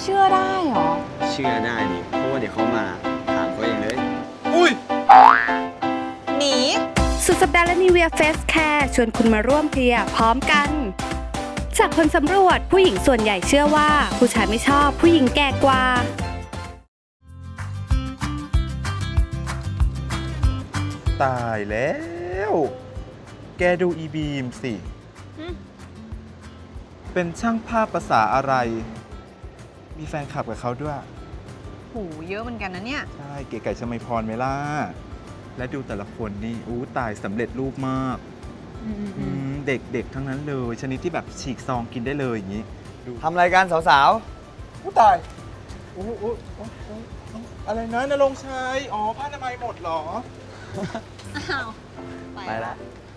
เชื่อได้เหรอเชื่อได้ดิเพราะว่าเดี๋ยวเขามาถามเขาเองเลยอุ้ยหนีสุดสัปดาห์และนิเวียเฟสแคร์ชวนคุณมาร่วมเคลียร์พร้อมกัน จากผลสำรวจผู้หญิงส่วนใหญ่เชื่อว่าผู้ชายไม่ชอบผู้หญิงแก่กว่าตายแล้ว แกดูอีบีมสิ เป็นช่างภาพภาษาอะไร มีแฟนคลับกับเขาด้วยโหเยอะเหมือนกันนะเนี่ยใช่ เก๋ไก่ชมัยพรไหมล่ะ และดูแต่ละคนนี่อู้ตายสำเร็จรูปมาก เด็กๆ ทั้งนั้นเลย ชนิดที่แบบฉีกซองกินได้เลยอย่างนี้ ดูทำรายการสาวอู้ตายอู้อะไรนะนรงค์ชัย อ๋อ ผ้าอนามัยหมดเหรออ้าวๆ ไปละ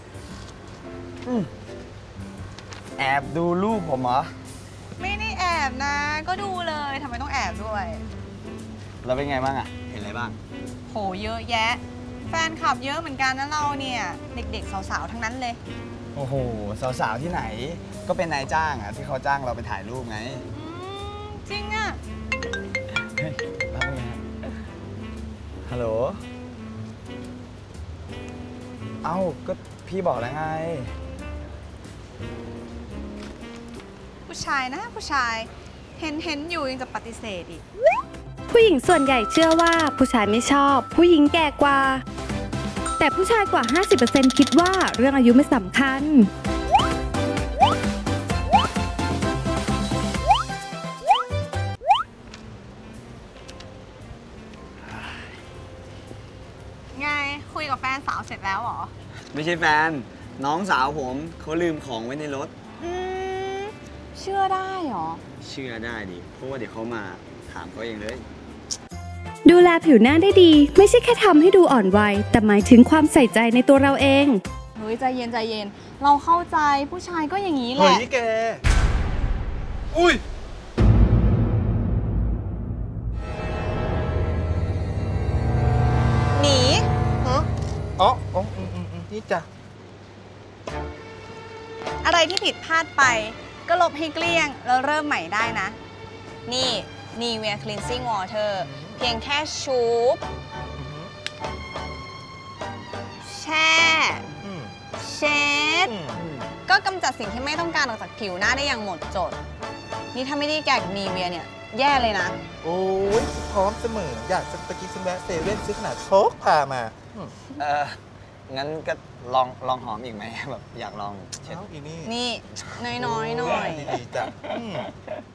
แอบดูรูปผมเหรอไม่ได้แอบนะ ก็ดูเลยทำไมต้องแอบด้วยแล้วเป็นไงบ้างอะเห็นอะไรบ้างโหเยอะแยะ แฟนคลับเยอะเหมือนกันนะเราเนี่ย เด็กๆสาวๆทั้งนั้นเลยโอ้โห สาวๆ ที่ไหน ก็เป็นนายจ้างอะที่เขาจ้างเราไปถ่ายรูปไงจริงอะเฮ้ยแล้วเป็นไงฮัลโหล เอ้า ก็พี่บอกแล้วไงผู้ชายนะผู้ชาย เห็นอยู่ยังจะปฏิเสธอีกผู้หญิงส่วนใหญ่เชื่อว่าผู้ชายไม่ชอบผู้หญิงแก่กว่า แต่ผู้ชายกว่า 50% คิดว่าเรื่องอายุไม่สำคัญไงคุยกับแฟนสาวเสร็จแล้วเหรอไม่ใช่แฟน น้องสาวผมเขาลืมของไว้ในรถเชื่อได้เหรอเชื่อได้ดิเพราะว่าเดี๋ยวเขามาถามเขาเองเลยดูแลผิวหน้าได้ดี ไม่ใช่แค่ทำให้ดูอ่อนวัยแต่หมายถึงความใส่ใจในตัวเราเองเฮ้ยใจเย็นใจเย็น เราเข้าใจผู้ชายก็อย่างนี้แหเฮ้ละยแก อุ้ยหนีฮะอ๋อนี่จ้ะอะไรที่ผิดพลาดไป ก็ลบให้เกลี้ยง แล้วเริ่มใหม่ได้นะ นี่ Nivea Cleansing Water เพียงแค่ชูบแช่ เช็ด ก็กำจัดสิ่งที่ไม่ต้องการออกจากผิวหน้าได้อย่างหมดจด นี่ถ้าไม่ได้แกกับ Nivea เนี่ย แย่เลยนะโอ้ยพร้อมเสมอ อยากจะตะกี้ฉันแวะเซเว่นซื้อขนาดโชคพามางั้นก็ลองหอมอีกไหม แบบอยากลองเช็ดเอ้าอีนี่นี่ น้อยๆหน่อยดีๆจ้ะ